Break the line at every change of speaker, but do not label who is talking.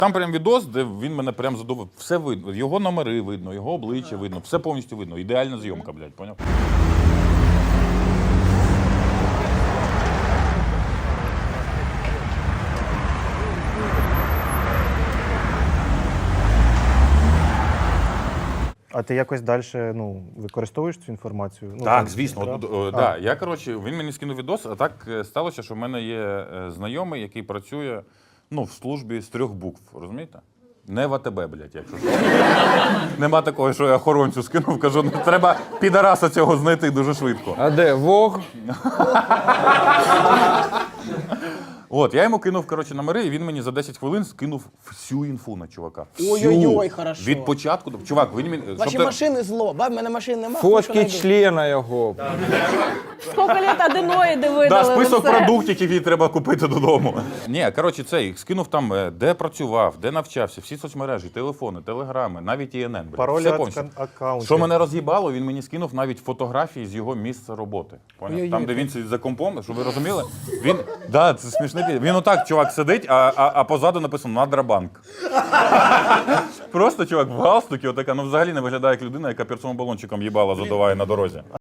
Там прям відос, де він мене прям задоволив. Все видно. Його номери видно, його обличчя видно, все повністю видно. Ідеальна зйомка, блядь, поняв?
А ти якось далі використовуєш цю інформацію? Ну,
Так,
там,
звісно. Да. Я, коротше, він мені скинув відос, а так сталося, що в мене є знайомий, який працює в службі з 3 букв, розумієте? Не в АТБ, блядь, якщо що. Нема такого, що я охоронцю скинув, кажу, треба підараса цього знайти дуже швидко.
А де? Вог?
От, я йому кинув, коротше, номери, і він мені за 10 хвилин скинув всю інфу на чувака.
Ой-ой-ой, хорошо.
Від початку до... Чувак, він мені...
Ваші машини зло. В мене машин нема.
Фотки члена його.
Скільки літ аденоїди
Да,
видали.
список продуктів, які треба купити додому. Ні, коротше, цей, скинув там, де працював, де навчався, всі соцмережі, телефони, телеграми, навіть ІНН.
Паролі
все
від
повністю.
аккаунтів.
Що мене роз'їбало, він мені скинув навіть фотографії з його місця роботи. Поняв? Там, де він сидить за компом, щоб ви розуміли, він, да, це смішний, він отак, чувак, сидить, а позаду написано «Надрабанк». Просто, чувак, в галстукі, отака, взагалі не виглядає як людина, яка перцовим балончиком їбала задуває на дорозі.